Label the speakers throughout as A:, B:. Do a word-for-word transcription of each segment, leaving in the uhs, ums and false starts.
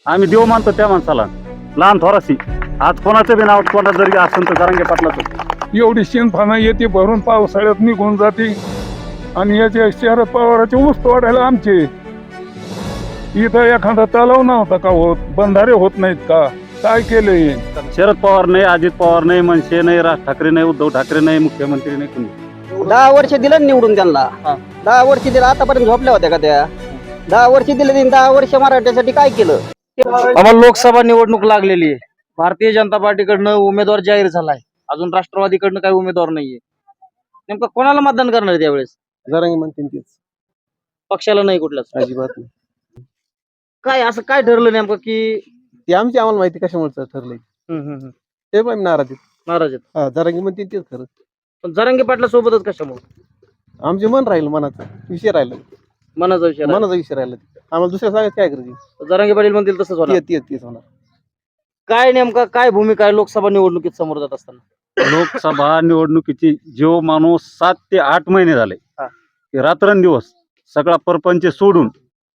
A: आम्ही देव मानतो त्या माणसाला, लहान थोराशी. आज कोणाचं बी नाव कोणा जरी असेल तर जरांगे पाटलाचं.
B: एवढी शिंदफाना येते भरून पावसाळ्यात निघून जाते आणि याचे शरद पवाराचे ऊस तोडायला आमचे इथं एखादा तलाव नव्हता का होत, बंधारे होत नाहीत का? काय केलंय?
A: शरद पवार नाही, अजित पवार नाही, मनसे नाही, राज ठाकरे नाही, उद्धव ठाकरे नाही, मुख्यमंत्री नाही, कुणी.
C: दहा वर्ष दिलं ना निवडून त्यांना. दहा वर्ष दिलं, आतापर्यंत झोपल्या होत्या का त्या? दहा वर्ष दिले त्यांनी, दहा वर्ष मराठ्यासाठी काय केलं?
D: आम्हाला लोकसभा निवडणूक लागलेली आहे. भारतीय जनता पार्टीकडनं उमेदवार जाहीर झालाय. अजून राष्ट्रवादीकडनं काही उमेदवार नाहीये. नेमकं कोणाला मतदान करणार आहे त्यावेळेस?
C: जरांगे म्हणतील तेच,
D: पक्षाला नाही कुठल्याच.
C: अजिबात नाही.
D: काय असं काय ठरलं नेमकं की
C: ते आमची आम्हाला माहिती कशामुळे ठरलंय
D: हम्म, हम्म, हम्म.
C: ते पण नाराज आहेत.
D: नाराज आहेत?
C: हा, जरांगे म्हणतील तेच खरं.
D: पण जरांगे पाटला सोबतच कशामुळे?
C: आमचे मन राहील, मनाचा विषय राहिला,
D: मनाचा विषय राहिला.
C: मनाचा विषय राहिला. आम्हाला दुसऱ्या सांगायचं काय करायचं?
D: जरांगे पाटील म्हणतील तसंच होणार.
C: तेच तेच होणार.
D: काय नेमका काय भूमिका आहे लोकसभा निवडणुकीत समोर जात असताना?
A: लोकसभा निवडणुकीची जो माणूस सात ते आठ महिने झाले
D: हा.
A: की रात्रंदिवस सगळा परपंच सोडून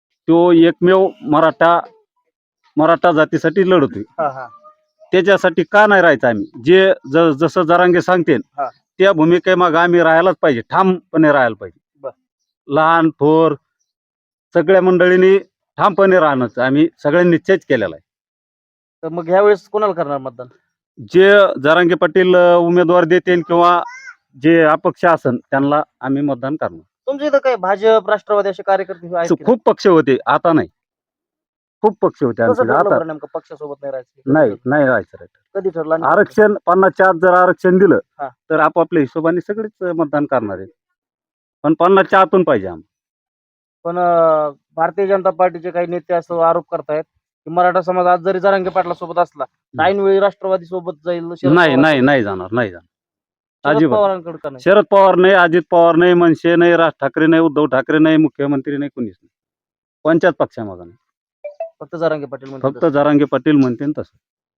A: तो एकमेव मराठा मराठा जातीसाठी लढतोय.
D: हा, हा.
A: त्याच्यासाठी का नाही राहायचं आम्ही? जे ज- जसं जरांगे सांगतील
D: हा.
A: त्या भूमिकेमाग आम्ही राहायलाच पाहिजे, ठामपणे राहायला पाहिजे.
D: बर.
A: लहान थोर सगळ्या मंडळींनी ठामपणे राहणं आम्ही सगळ्यांनी निश्चयच केलेला आहे.
D: तर मग ह्या वेळेस कोणाला करणार मतदान?
A: जे जरांगे पाटील अ, उमेदवार देतील किंवा जे अपक्ष असन त्यांना आम्ही मतदान करणार.
D: तुमच्या इथं काय भाजप राष्ट्रवादी असे कार्यकर्ते आहेत की
A: खूप पक्ष होते, आता नाही. खूप पक्ष होते
D: नाही? कसं
A: आमचे,
D: ठरलं
A: आता
D: बरं नेमकं पक्षासोबत नाही राहायचं?
A: नाही नाही राहायचं रे.
D: कधी ठरलं? आणि
A: आरक्षण पन्नासच्या आत जर आरक्षण दिलं
D: हा.
A: तर आपापल्या हिशोबाने सगळेच मतदान करणार आहेत. पण पन्नासच्या आतून पाहिजे आम्हाला.
D: पण अं, भारतीय जनता पार्टीचे काही नेते असं आरोप करतायत की मराठा समाज आज जरी जरांगे पाटला सोबत असला ऐन वेळी राष्ट्रवादी सोबत जाईल. शरद
A: नाही
D: पवारांकडे-
A: नाही नाही जाणार, नाही जाणार
D: शरद
A: अजिबात.
D: पवारांकडे का नाही?
A: शरद पवार नाही, अजित पवार नाही, मनसे नाही, राज ठाकरे नाही, उद्धव ठाकरे नाही, मुख्यमंत्री नाही, कुणीच नाही. कोणत्याच पक्षामध्ये नाही.
D: फक्त जरांगे पाटील म्हणतात
A: फक्त जरांगे पाटील म्हणतील तसं.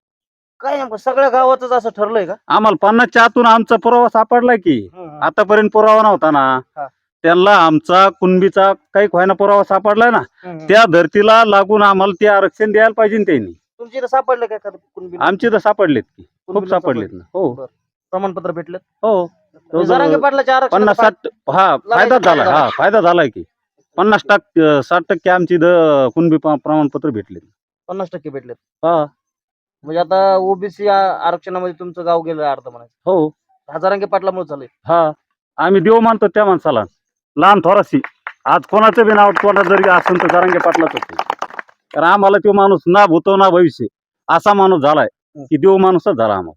D: काय नेमकं सगळ्या गावातच असं ठरलंय का?
A: आम्हाला पन्नासच्या आतून आमचा पुरावा सापडलाय की.
D: हम्म.
A: आतापर्यंत पुरावा नव्हता ना.
D: हा.
A: त्यांना आमचा कुणबीचा काही व्हायना पुरावा सापडलाय ना.
D: हम्म.
A: त्या धर्तीला लागून आम्हाला ते आरक्षण द्यायला पाहिजे ना त्यांनी.
D: तुमच्या इथं सापडलं काय एखादं कुणबी?
A: आमचे तर सापडलेत की, खूप
D: कुणबीला
A: सापडलेत ना. हो
D: बरं. प्रमाणपत्र भेटलं?
A: हो.
D: म्हणजे जरांगे पाटलाच्या आरक्षणाचा
A: पन्नास साठ हा फायदा झाला. हा फायदा झालाय की. पन्नास टक्के साठ टक्के आमची इथं कुणबी प- प्रमाणपत्र भेटले.
D: पन्नास टक्के भेटलेत.
A: हा.
D: म्हणजे आता ओबीसी आरक्षणामध्ये तुमचं गाव गेलं अर्ध म्हणायचं.
A: हो.
D: हा जरांगे पाटलामुळे झालंय.
A: हा. आम्ही देव मानतो त्या माणसाला, लहान थोराशी. आज कोणाचं बी नाव कोणा जरी असेल तर जरांगे पाटलाच होते. कारण आम्हाला तो माणूस ना भूतो ना भविष्य असा माणूस झालाय की देव माणूसच झाला आम्हाला.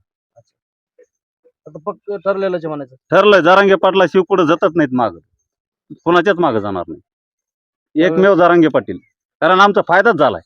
D: आता फक्त ठरलेलंच आहे म्हणायचं.
A: ठरलंय जरांगे पाटला शिव पुढे जातच नाहीत माग, कोणाच्याच मागे जाणार नाही. एकमेव जरांगे पाटील. कारण आमचा फायदाच झालाय.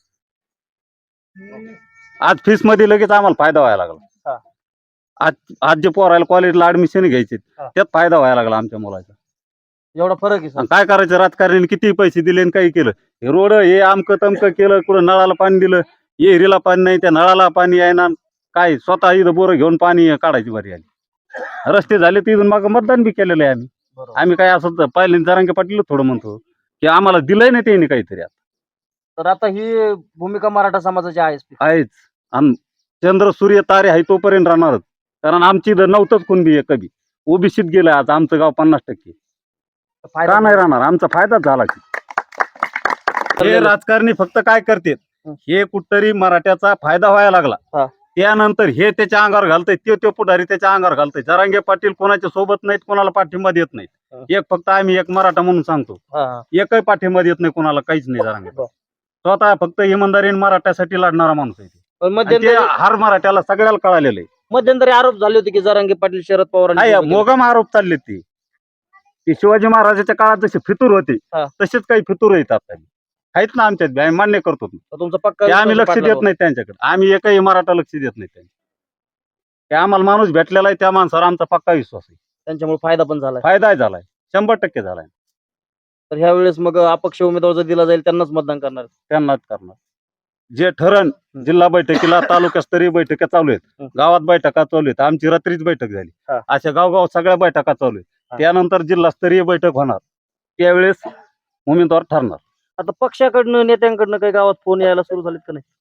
A: आज फीस मध्ये लगेच आम्हाला फायदा व्हायला
D: हा.
A: लागला. आज आज जे पोरायला कॉलेजला ऍडमिशन घ्यायचे
D: हा.
A: त्यात फायदा व्हायला लागला आमच्या मुलाचा.
D: एवढा फरक आहे सर.
A: आणि काय करायचं, राजकारण्यांनी किती पैसे दिले आणि काही केलं. हे रोड हे आमकं तमकं केलं, कुठं नळाला पाणी दिलं, एरीला पाणी नाही, त्या नळाला पाणी यायना. काय स्वतः इथं बोरं घेऊन पाणी काढायची बरी आली. रस्ते झाले तिथून मग मतदान बी केलेलं आहे आम्ही.
D: बरोबर.
A: आम्ही काय असं पहिले जरांगे पाटील थोडं म्हणतो की आम्हाला दिलंय नाही त्यांनी काहीतरी.
D: तर आता ही भूमिका मराठा समाजाची आहेच.
A: आहेच. आणि चंद्र सूर्य तारे आहे तोपर्यंत राहणारच. कारण आमची इथं नव्हतंच कोणबी आहे कधी. ओबीसीत गेलं आज आमचं गाव पन्नास टक्के.
D: फायदा
A: का नाही राहणार? आमचा फायदाच झाला की. हे राजकारणी फक्त काय करतात, हे कुठतरी मराठ्याचा फायदा व्हायला लागला
D: हा.
A: त्यानंतर हे त्याच्या अंगावर घालतंय, ते तो पुढारी त्याच्या अंगावर घालतंय. जरांगे पाटील कोणाच्या सोबत नाहीत, कोणाला पाठिंबा देत नाहीत.
D: हा.
A: एक फक्त आम्ही एक मराठा म्हणून सांगतो,
D: हा, हा.
A: एकही पाठिंबा देत नाही कोणाला, काहीच नाही. जरांगे
D: बरं.
A: स्वतः फक्त इमानदारीने मराठ्यासाठी लढणारा माणूस आहे ते.
D: पण
A: आणि ते
D: मध्यंतरी
A: हर मराठ्याला सगळ्याला कळालेलं आहे.
D: मध्यंतरी आरोप झाले होते की जरांगे पाटील शरद पवार
A: काय मोगम आरोप चालले ते. ते शिवाजी महाराजाच्या काळात जसे फितूर होते
D: हा.
A: तसेच काही फितूर येतात आहेत ना आमच्यात बी. आम्ही मान्य करतो ते.
D: तुमचा पक्का
A: ते आम्ही
D: विश्वास
A: लक्ष
D: पाटलावर.
A: देत नाही त्यांच्याकडे. आम्ही एकही मराठा लक्ष देत नाही त्यांनी. ते आम्हाला माणूस भेटलेला आहे, त्या माणसावर आमचा पक्का विश्वास आहे.
D: त्यांच्यामुळे फायदा पण झालाय.
A: फायदा झालाय, शंभर टक्के झालाय.
D: तर ह्या वेळेस मग अपक्ष उमेदवार जर दिला जाईल त्यांनाच मतदान करणार.
A: त्यांनाच करणार. जे ठरण जिल्हा बैठकीला तालुकास्तरीय बैठका चालू आहेत,
D: हं.
A: गावात बैठका चालू आहेत. आमची रात्रीच बैठक झाली.
D: हा.
A: अशा गावगाव सगळ्या बैठका चालू आहेत.
D: हा.
A: त्यानंतर जिल्हास्तरीय बैठक होणार, त्यावेळेस उमेदवार ठरणार.
D: आता पक्षाकडनं नेत्यांकडनं काही गावात फोन यायला सुरू झालेत का नाही?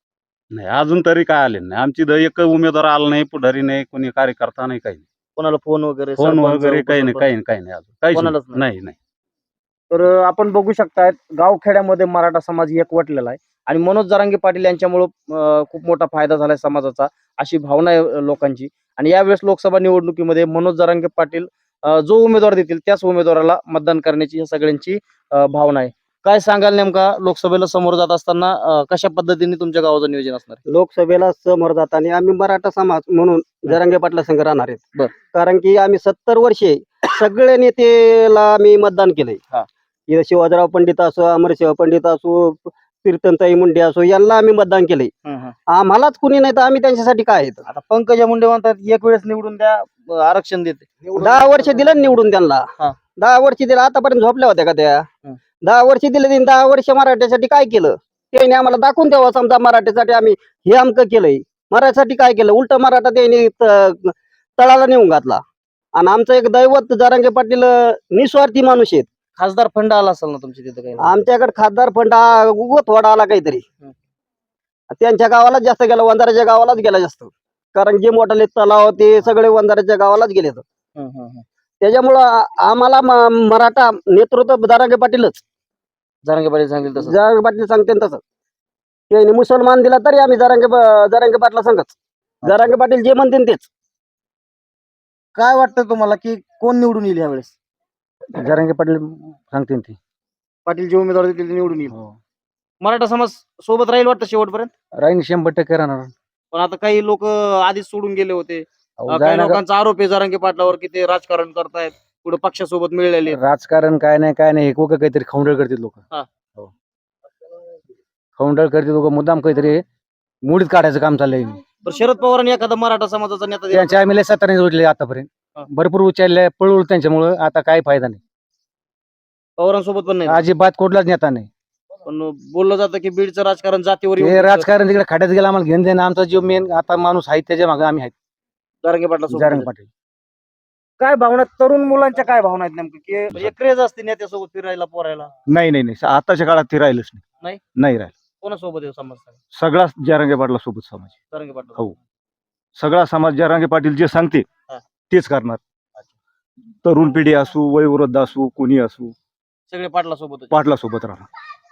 A: नाही अजून तरी काय आले नाही. आमची इथं एक उमेदवार आला नाही, पुढारी नाही, कोणी कार्यकर्ता नाही, काही नाही.
D: कोणाला फोन वगैरे
A: फोन
D: सरपंच,
A: वगैरे काही नाही,
D: उपसरपंच?
A: काही नाही, काही नाही अजून काहीच
D: कोणालाच
A: नाही.
D: नाही.
A: नाही नाही
D: तर अं, आपण बघू शकतायत गावखेड्यामध्ये मराठा समाज एकवटलेला आहे आणि मनोज जरांगे पाटील यांच्यामुळं अं, खूप मोठा फायदा झालाय समाजाचा, अशी भावना आहे अं, लोकांची. आणि यावेळेस लोकसभा निवडणुकीमध्ये मनोज जरांगे पाटील अं, जो उमेदवार देतील त्याच उमेदवाराला मतदान करण्याची या सगळ्यांची अं, भावना आहे. काय सांगाल नेमका लोकसभेला समोर जात असताना अं, कशा पद्धतीने तुमच्या गावाचं नियोजन असणार आहे?
C: लोकसभेला समोर जाताना आम्ही मराठा समाज म्हणून जरांगे पाटला संघ राहणार आहेत.
D: बर.
C: कारण की आम्ही सत्तर वर्षे सगळे नेतेला आम्ही मतदान केलंय.
D: हा.
C: इथं शिवाजीराव पंडित असो, अमरशिव पंडित असो, कीर्तनताई मुंडे असो, यांना आम्ही मतदान केलंय.
D: हं, हं.
C: आम्हालाच कुणी नाही तर आम्ही त्यांच्यासाठी काय आहेत.
D: आता पंकजा मुंडे म्हणतात एक वेळेस निवडून द्या, अं, आरक्षण देते.
C: दहा वर्ष दिलं ना निवडून त्यांना.
D: हा.
C: दहा वर्ष दिलं, आतापर्यंत झोपल्या होत्या का त्या?
D: हं.
C: दहा वर्ष दिले त्यांनी, दहा वर्ष मराठ्यासाठी काय केलं त्यांनी आम्हाला दाखवून द्यावं. समजा मराठ्यासाठी आम्ही हे अमकं केलंय, मराठ्यासाठी काय केलं, उलट मराठा त्यांनी त- तळाला नेऊन घातला. आणि आमचं एक दैवत जरांगे पाटील अं, निस्वार्थी माणूस आहेत.
D: खासदार फंड आला असेल ना तुमच्या तिथं काही?
C: आमच्याकडे खासदार फंड हा उगं थोडा आला काहीतरी.
D: हं.
C: त्यांच्या गावालाच जास्त गेला, वंजाराच्या गावालाच गेला जास्त. कारण जे मोठाले तलाव ते सगळे वंजाराच्या गावालाच गेले.
D: हं, हं, हं.
C: त्याच्यामुळं आ- आम्हाला म- मराठा नेतृत्व जरांगे पाटीलच.
D: जरांगे पाटील सांगेल तसं.
C: जरांगे पाटील सांगते ना तसं. त्यांनी मुसलमान दिला तरी आम्ही जरांगे प- जरांगे पाटला सांगच. जरांगे पाटील जे म्हणतील तेच.
D: काय वाटतं तुम्हाला की कोण निवडून येईल यावेळेस?
A: जरांगे पाटील सांगतील ती.
D: पाटील जे उमेदवार देतील ते निवडून येईल. मराठा समाज सोबत राहील वाटतं शेवटपर्यंत.
A: राहीन शंभर टक्के राहणार.
D: पण आता काही लोक आधीच सोडून गेले होते.
A: अहो,
D: अं, काही
A: जायना-
D: लोकांचा आरोप आहे जरांगे पाटलावर की ते राजकारण करतायत, पुढे पक्षासोबत मिळालेले आहेत.
A: राजकारण काय नाही काय नाही हे कोक काहीतरी खवंडळ करतील लोक.
D: हा.
A: हो. खवंडळ करतील लोक, मुद्दाम काहीतरी मुडीत काढायचं काम चाललंय.
D: तर शरद पवारांनी एखादा मराठा समाजाचा नेता दिला
A: त्यांच्या आम्ही सत्ताने जोडले आतापर्यंत.
D: हा.
A: भरपूर उचलले पळवलं त्यांच्यामुळे, आता काही फायदा नाही.
D: पवारांसोबत पण नाही.
A: अजिबात कुठलाच नेता नाही.
D: पण बोललं जातं की बीडचं राजकारण जातीवर
A: हे
D: येऊन
A: राजकारण तिकडे खाड्यात गेला, आम्हाला घेऊन देणं. आमचा जो मेन आता माणूस आहे त्याच्या मागे आम्ही आहेत.
D: जरांगे पाटला
A: जरांगे पाटील.
D: काय भावना तरुण मुलांच्या काय भावना आहेत नेमकं की म्हणजे क्रेज असते नेत्यासोबत फिरायला पोरायला?
A: नाही नाही नाही आताच्या काळात ते राहिलंच नाही.
D: नाही?
A: नाही राहिलं.
D: कोणासोबत आहे समाज?
A: सगळा जरांगे पाटला सोबत समाज.
D: जरांगे पाटला.
A: हो. सगळा समाज जरांगे पाटील जे सांगते
D: हा.
A: तेच करणार. तरुण पिढी असू, वयोवृद्ध असू, कोणी असू,
D: सगळे पाटला सोबत.
A: पाटला सोबत राहणार.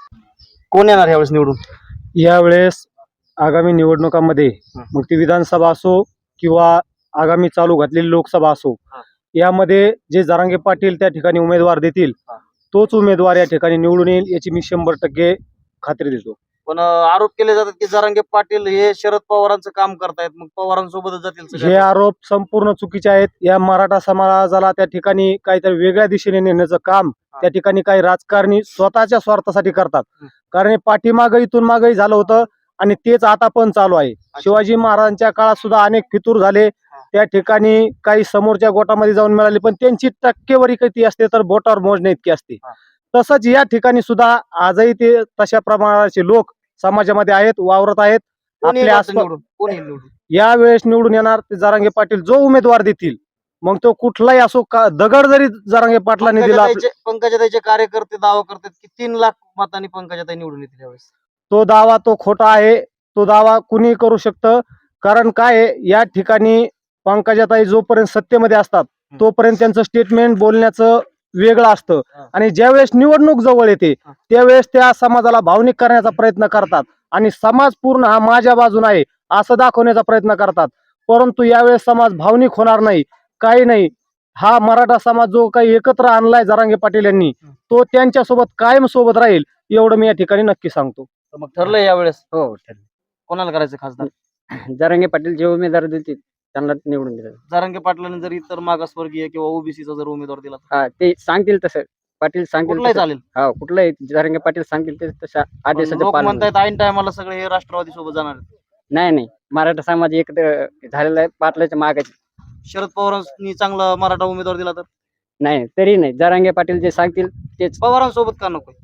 D: कोण येणार यावेळेस निवडून?
E: यावेळेस आगामी निवडणुकांमध्ये मग ती विधानसभा असो किंवा आगामी चालू घातलेली लोकसभा असो,
D: हा.
E: यामध्ये जे जरांगे पाटील त्या ठिकाणी उमेदवार देतील
D: हा.
E: तोच उमेदवार या ठिकाणी निवडून येईल याची मी शंभर टक्के खात्री देतो.
D: पण अं, आरोप केले जातात की जरांगे पाटील हे शरद पवारांचं काम करतायत, मग पवारांसोबतच जातील सगळे.
E: हे आरोप संपूर्ण चुकीचे आहेत. या मराठा समाजाला त्या ठिकाणी काहीतरी वेगळ्या दिशेने नेण्याचं काम त्या ठिकाणी काही राजकारणी स्वतःच्या स्वार्थासाठी करतात.
D: हं.
E: कारण हे पाठीमागं इथून मागही झालं होतं आणि तेच आता पण चालू आहे. शिवाजी महाराजांच्या काळात सुद्धा अनेक फितूर झाले. त्या ठिकाणी काही समोरच्या गोटामध्ये जाऊन मिळाले, पण त्यांची टक्केवारी किती असते तर बोटावर मोजणे इतकी असते.
D: हा.
E: तसंच या ठिकाणी सुद्धा आजही ते तशा प्रमाणाचे लोक समाजामध्ये आहेत, वावरत आहेत.
D: कोण येईल
E: आपल्या
D: वाटतं
E: आसपास
D: निवडून? कोण येईल निवडून?
E: यावेळेस निवडून येणार ते जरांगे पाटील जो उमेदवार देतील, मग तो कुठलाही असो, का दगड जरी जरांगे पाटलांनी दिला आपल्या-
D: पंकजाताईचे पंकजाताईचे कार्यकर्ते दावा करतात की तीन लाख मतांनी पंकजाताई निवडून येतील यावेळेस.
E: तो दावा तो खोटा आहे. तो दावा कुणी करू शकतं. कारण काय आहे, या ठिकाणी पंकजाताई जोपर्यंत सत्तेमध्ये असतात तोपर्यंत त्यांचं स्टेटमेंट बोलण्याचं वेगळं असतं
D: हा.
E: आणि ज्यावेळेस निवडणूक जवळ येते
D: हा.
E: त्यावेळेस त्या समाजाला भावनिक करण्याचा प्रयत्न करतात आणि समाज पूर्ण हा माझ्या बाजूने आहे असं दाखवण्याचा प्रयत्न करतात. परंतु यावेळेस समाज भावनिक होणार नाही, काही नाही. हा मराठा समाज जो काही एकत्र आणलाय जरांगे पाटील यांनी, तो त्यांच्यासोबत कायम सोबत राहील एवढं मी या ठिकाणी नक्की सांगतो.
D: तर मग ठरलंय यावेळेस
C: हो ठरलं.
D: कोणाला करायचं खासदार?
C: जरांगे पाटील जे उमेदवार देतील त्यांना निवडून दिलं.
D: जरांगे पाटलांनी जर इतर मागासवर्गीय किंवा ओबीसीचा जर उमेदवार दिला तर
C: हा ते सांगतील तसं, पाटील सांगतील
D: कुठलाही
C: तसं.
D: चालेल.
C: हा कुठलाही जरांगे पाटील सांगतील ते तशा
D: पण
C: आदेशाचं
D: लोक
C: पालन.
D: म्हणतायत ऐन टायमाला सगळे हे राष्ट्रवादी सोबत जाणार आहेत.
C: नाही नाही, मराठा समाज एकत्र झालेला आहे पाटलाच्या मागाची.
D: शरद पवारांनी चांगला मराठा उमेदवार दिला तर
C: नाही तरी नाही, जरांगे पाटील जे सांगतील तेच.
D: पवारांसोबत का नको?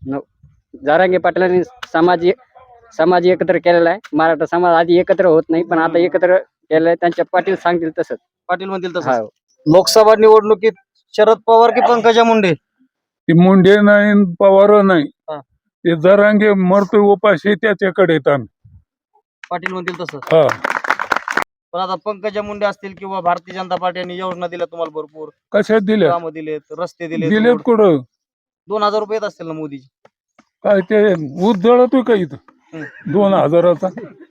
C: जरांगे पाटलांनी समाज समाज एकत्र केलेला आहे. मराठा समाज आधी एकत्र होत नाही, पण आता एकत्र केलेलं आहे. त्यांच्या पाटील सांगतील तसंच.
D: पाटील म्हणतील
C: हा.
D: तसं. लोकसभा निवडणुकीत शरद पवार की पंकजा मुंडे?
B: ती मुंडे नाही न पवार नाही.
D: हा.
B: ते जरांगे मरतोय उपाशी त्याच्याकडे येत आम्ही.
D: पाटील म्हणतील तसं.
B: हा
D: पण आता पंकजा मुंडे असतील किंवा भारतीय जनता पार्टी यांनी योजना दिल्या तुम्हाला भरपूर,
B: कशात दिल्या
D: कामं दिलेत, रस्ते दिलेत,
B: दिलेत
D: रोड.
B: कुठं
D: दोन हजार रुपये येत असतील ना मोदीची.
B: काय ते ऊस जळतोय का इथं
D: हम्म.
B: दोन हजाराचा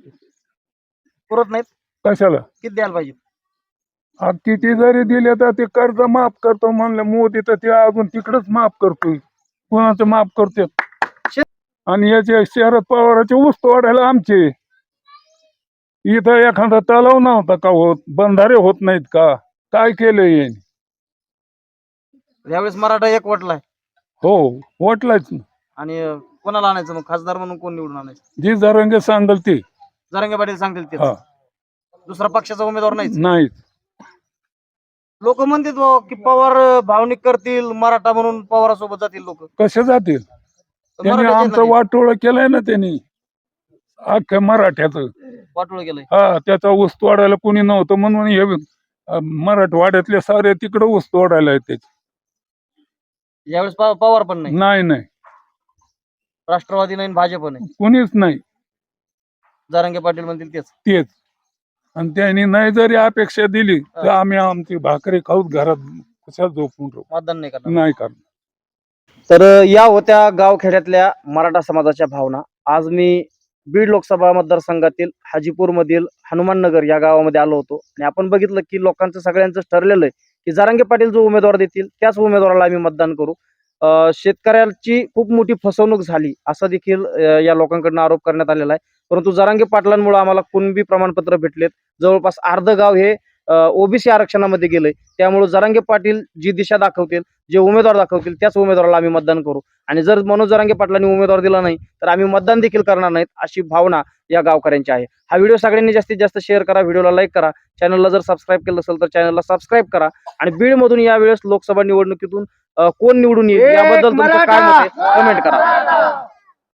D: पुरत नाहीत.
B: कशाला
D: किती द्यायला पाहिजे?
B: आ, किती जरी दिले तर ते कर्ज माफ करतो म्हणलं मोदी तर ते अजून तिकडच माफ करतोय कोणाचं माफ करते आणि याचे शरद पवाराचे ऊस तोडायला आमचे इथं एखादा तलाव नव्हता का होत बंधारे होत नाहीत का काय केलंय यांनी?
D: यावेळेस मराठा एक वटलाय
B: हो वाटलाच ना
D: आणि अं, कोणाला आणायचं मग? खासदार म्हणून कोण निवडून आणायचं?
B: जी जरंगे सांगल ते
D: जरांगे पाटील सांगतील ते.
B: हा
D: दुसरा पक्षाचा उमेदवार नाहीच.
B: नाही
D: लोक म्हणतात बुवा की पवार अं, भावनिक करतील मराठा म्हणून पवारासोबत जातील लोक.
B: कसे जातील त्यांनी आमचं वाटोळ केलंय ना त्यांनी अख्ख्या मराठ्याचं
D: वाटोळ केलंय.
B: हा त्याचा ऊस तोडायला कोणी नव्हतं म्हणून हे अं, मराठवाड्यातले सारे तिकडे ऊस तोडायला येते
D: यावेळेस पव- पवार पण नाही,
B: नाही नाही
D: राष्ट्रवादी नाही, भाजप नाही.
B: कुणीच नाही
D: जरांगे पाटील म्हणतील तेच.
B: तेच आणि त्यांनी नाही जरी अपेक्षा दिली तर आम्ही आमची भाकरी खाऊत घरात कशा झोपून राहू
D: मतदान नाही करणार.
B: नाही करणार.
D: तर अ, या होत्या गावखेड्यातल्या मराठा समाजाच्या भावना. आज मी बीड लोकसभा मतदारसंघातील हाजीपूर मधील हनुमाननगर या गावामध्ये आलो होतो आणि आपण बघितलं की लोकांचं सगळ्यांचं ठरलेलं आहे की जरांगे पाटील जो उमेदवार देतील त्याच उमेदवाराला आम्ही मतदान करू. अ, शेतकऱ्यांची खूप मोठी फसवणूक झाली असा देखील अ, या लोकांकडून आरोप करण्यात आलेला आहे. परंतु जरांगे पाटलांमुळे आम्हाला कुणबी प्रमाणपत्र भेटलेत. जवळपास अर्ध गाव हे ओबीसी आरक्षणामध्ये गेलंय. त्यामुळे जरांगे पाटील जी दिशा दाखवतील, जे उमेदवार दाखवतील त्याच उमेदवाराला आम्ही मतदान करू आणि जर मनोज जरांगे पाटलांनी उमेदवार दिला नाही तर आम्ही मतदान देखील करणार नाहीत अशी भावना या गावकऱ्यांची आहे. हा व्हिडिओ सगळ्यांनी जास्तीत जास्त शेअर करा, व्हिडिओला लाईक करा, चॅनलला जर सबस्क्राईब केलं असेल तर चॅनलला सबस्क्राईब करा आणि बीडमधून यावेळेस लोकसभा निवडणुकीतून अ, कोण निवडून येईल याबद्दल तुमचं काय मत आहे कमेंट करा.